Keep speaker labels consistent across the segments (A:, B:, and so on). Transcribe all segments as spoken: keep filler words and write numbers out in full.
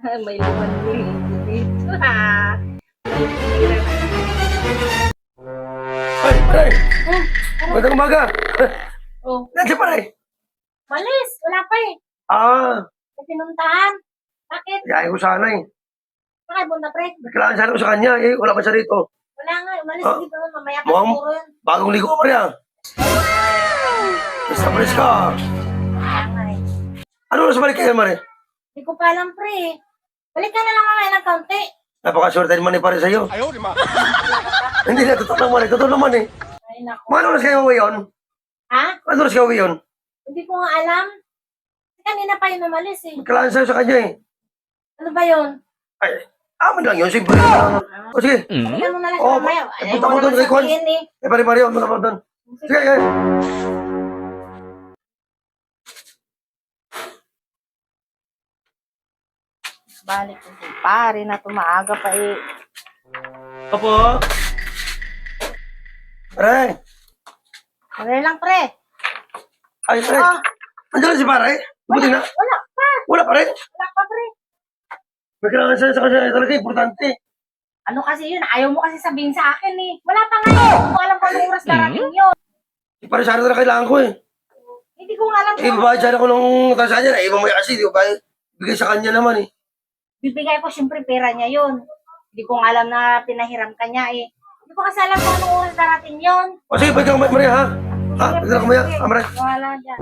A: May laman dito, ha? May tira na.
B: Ay, pare!
A: Hmm,
B: Magandang umaga!
A: oh,
B: Nandiyan pare!
A: malis, wala pa eh.
B: Ah,
A: May pinuntahan. Bakit?
B: yayain ko sana eh.
A: Bakit bunta pre?
B: Kailangan sana ko sa kanya eh. Wala pa siya rito.
A: Wala nga, umalis
B: Ah,
A: dito. Mamaya pa
B: mukhang-
A: siguro yun.
B: Bagong ligo ko pare ah. Basta pares ka.
A: Kaya nga eh.
B: Ano oras balik kayo mare?
A: Hindi ko pa alam pre. Balik ka na lang mamaya ng kaunti.
B: Napakaswerte naman eh pare sa'yo. Hindi na, totoo naman eh. Totoo naman eh.
A: Ay naku.
B: Mga oras kayo uwi yun?
A: Ha?
B: Ano oras kayo uwi yun?
A: Hindi ko nga alam. Kanina pa yun umalis eh.
B: Kailangan sa'yo sa kanya eh.
A: Ano ba yun?
B: Ay, amin lang yun. Simple lang. O sige.
A: Balikan mo na lang
B: Oo,
A: siya mamaya.
B: eh,
A: Ayaw
B: punta
A: mo
B: ko doon
A: naman
B: kay Kwan.
A: sabihin eh.
B: Eh pare Mario, ano naman doon? Sige, sige.
A: Balik ko si pare na tumaaga pa eh.
B: Opo. Pare.
A: Ano lang pre?
B: Ay, pare.
A: Ah,
B: Andiyan na si pare. Buti na.
A: wala pa.
B: Wala pa rin.
A: Wala pa pre.
B: May kailangan sa'yo sa kanya talaga. Importante.
A: Ano kasi yun? Ayaw mo kasi sabihin sa akin eh. Wala pa nga eh. Hindi ko alam kung anong oras darating yun.
B: Si pare sana talaga kailangan ko eh.
A: Hindi ko nga alam
B: Eh,
A: kung
B: babayad sana ko ng tansya niya. Eh, mamaya kasi, di ba? Bigay sa kanya naman eh.
A: bibigay ko siyempre pera niya yun. Hindi ko nga alam na pinahiram ka niya eh. Hindi ko kasi alam kung anong oras darating yun.
B: O sige, pwede ka kumaya, Maria, ha? Ha? Pwede ka kumaya,
A: Sige,
B: ha, Maria?
A: wala dyan.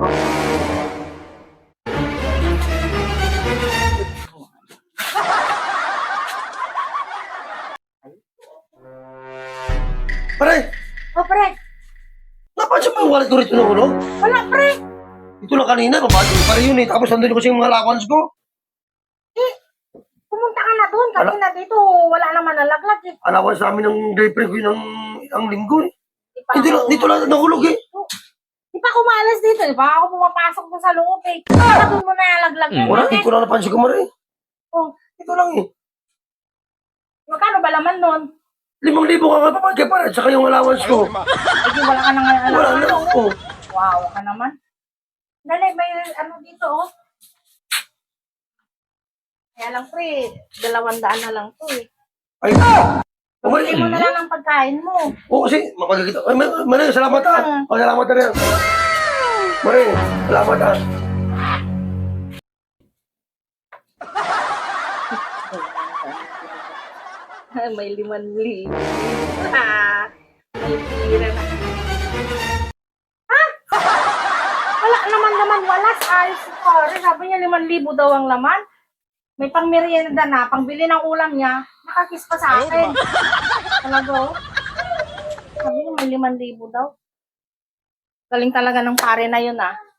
B: Pare,
A: O pre,
B: napansin mo yung wallet ko rito ng ulo?
A: wala pre.
B: Ito lang kanina, babago ko pa rin yun eh. Tapos nandun kasi yung mga allowance ko.
A: Eh, pumunta ka na doon. Kanina dito, wala naman nalaglag eh.
B: Allowance namin ng girlfriend ko yun ng isang linggo eh.
A: Di pa
B: Dito,
A: ako-
B: lang- dito lang nahulog eh.
A: Di pa ako maalas dito. Di pa ako pumapasok doon sa loob eh. Baka doon mo na nalaglag yun.
B: Wala,
A: eh.
B: hindi ko lang napansin ko, Maria.
A: Oh,
B: Ito lang eh.
A: magkano ba laman nun?
B: Limang libo ka nga papagay pare, at saka yung allowance ko.
A: Eh, di wala ka nang alam.
B: Wala na. Oh.
A: Wow, ka naman. Dali, may ano dito, oh. Kaya lang, pre, dalawang daan na lang to, eh.
B: Ay,
A: Bili mo na
B: umali.
A: lang ang pagkain mo.
B: Oo, kasi mapagkikita. Ay, Mar- Maria, salamat ah. Oh, salamat na rin. Maria, salamat ah.
A: May liman libo. Ah, may tira na. Ha? Wala naman naman, walas. Ayos si pare. Sabi niya liman libo daw ang laman. May pang merienda na, pangbili ng ulam niya, nakakiss pa sa akin. Talaga, oh. Sabi niya may liman libo daw. Galing talaga ng pare na yun, ah.